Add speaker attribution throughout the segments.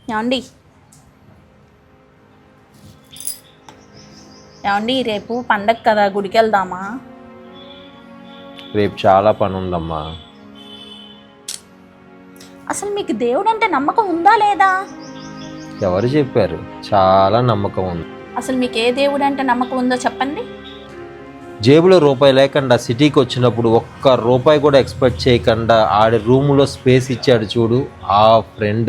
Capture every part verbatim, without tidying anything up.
Speaker 1: ఏమండి ఏమండి రేపు పండగ కదా, గుడికి వెళ్దామా?
Speaker 2: రేపు చాలా పని ఉందమ్మా.
Speaker 1: అసలు మీకు దేవుడు అంటే నమ్మకం ఉందా లేదా?
Speaker 2: ఎవరు చెప్పారు? చాలా నమ్మకం ఉంది.
Speaker 1: అసలు మీకు ఏ దేవుడు అంటే నమ్మకం ఉందో చెప్పండి.
Speaker 2: జేబులో రూపాయి లేకుండా సిటీకి వచ్చినప్పుడు ఒక్క రూపాయి కూడా ఎక్స్పెక్ట్ చేయకుండా ఆడి రూములో స్పేస్ ఇచ్చాడు చూడు, ఆ ఫ్రెండ్.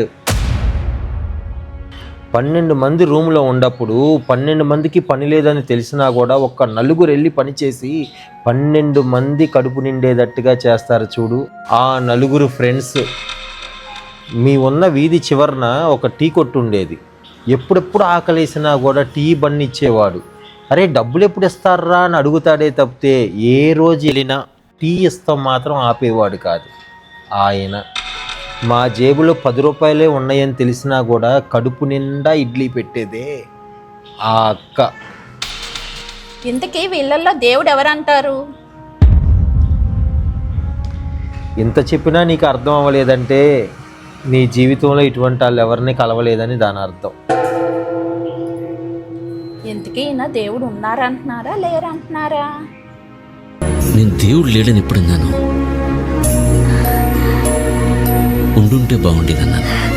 Speaker 2: పన్నెండు మంది రూమ్లో ఉన్నప్పుడు పన్నెండు మందికి పని లేదని తెలిసినా కూడా ఒక్క నలుగురు వెళ్ళి పని చేసి పన్నెండు మంది కడుపు నిండేటట్టుగా చేస్తారు చూడు, ఆ నలుగురు ఫ్రెండ్స్. మీ ఉన్న వీధి చివరన ఒక టీ కొట్టు ఉండేది. ఎప్పుడెప్పుడు ఆకలేసినా కూడా టీ బండి ఇచ్చేవాడు. అరే డబ్బులు ఎప్పుడు ఇస్తారా అని అడుగుతాడే తప్పితే ఏ రోజు వెళ్ళినా టీ ఇస్తాం మాత్రం ఆపేవాడు కాదు ఆయన. మా జేబులో పది రూపాయలే ఉన్నాయని తెలిసినా కూడా కడుపు నిండా ఇడ్లీ పెట్టేదే ఆ అక్క.
Speaker 1: ఇంతకీ వీళ్ళల్లో దేవుడు ఎవరంటారు?
Speaker 2: ఇంత చెప్పినా నీకు అర్థం అవ్వలేదంటే నీ జీవితంలో ఇటువంటి వాళ్ళు ఎవరిని కలవలేదని దాని అర్థం.
Speaker 1: ఇంతకీ ఈయన దేవుడు ఉన్నారంటున్నారా లేరంటున్నారా?
Speaker 3: నేను దేవుడు లేడని ఎప్పుడన్నాను? ఉండుంటే బాగుండేదన్నాను.